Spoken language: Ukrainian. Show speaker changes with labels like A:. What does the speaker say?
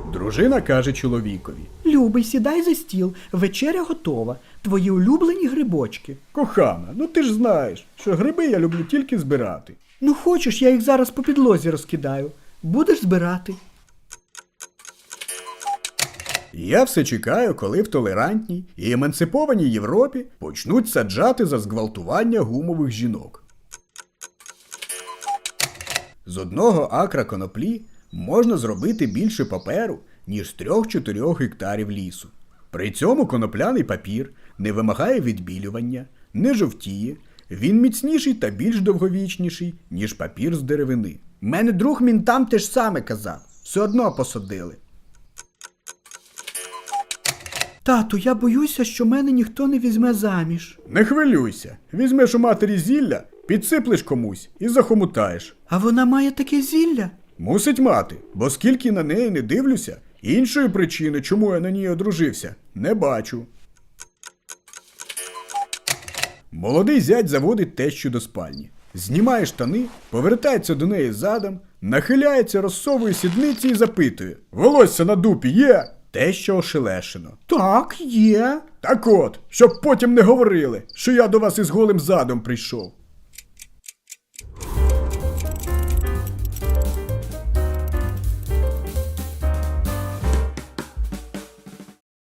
A: Дружина каже чоловікові.
B: Любий, сідай за стіл, вечеря готова. Твої улюблені грибочки.
A: Кохана, ну ти ж знаєш, що гриби я люблю тільки збирати.
B: Ну хочеш, я їх зараз по підлозі розкидаю. Будеш збирати.
A: Я все чекаю, коли в толерантній і емансипованій Європі почнуть саджати за зґвалтування гумових жінок. З 1 акра коноплі можна зробити більше паперу, ніж з 3-4 гектарів лісу. При цьому конопляний папір не вимагає відбілювання, не жовтіє, він міцніший та більш довговічніший, ніж папір з деревини.
B: Мене друг мінтам те ж саме казав. Все одно посадили. Тату, я боюся, що мене ніхто не візьме заміж.
A: Не хвилюйся, візьмеш у матері зілля, підсиплеш комусь і захомутаєш.
B: А вона має таке зілля?
A: Мусить мати, бо скільки на неї не дивлюся, іншої причини, чому я на ній одружився, не бачу. Молодий зять заводить тещу до спальні. Знімає штани, повертається до неї задом, нахиляється, розсовує сідниці і запитує: «Волосся на дупі є?» Теща ошелешено.
B: Так, є.
A: Так от, щоб потім не говорили, що я до вас із голим задом прийшов.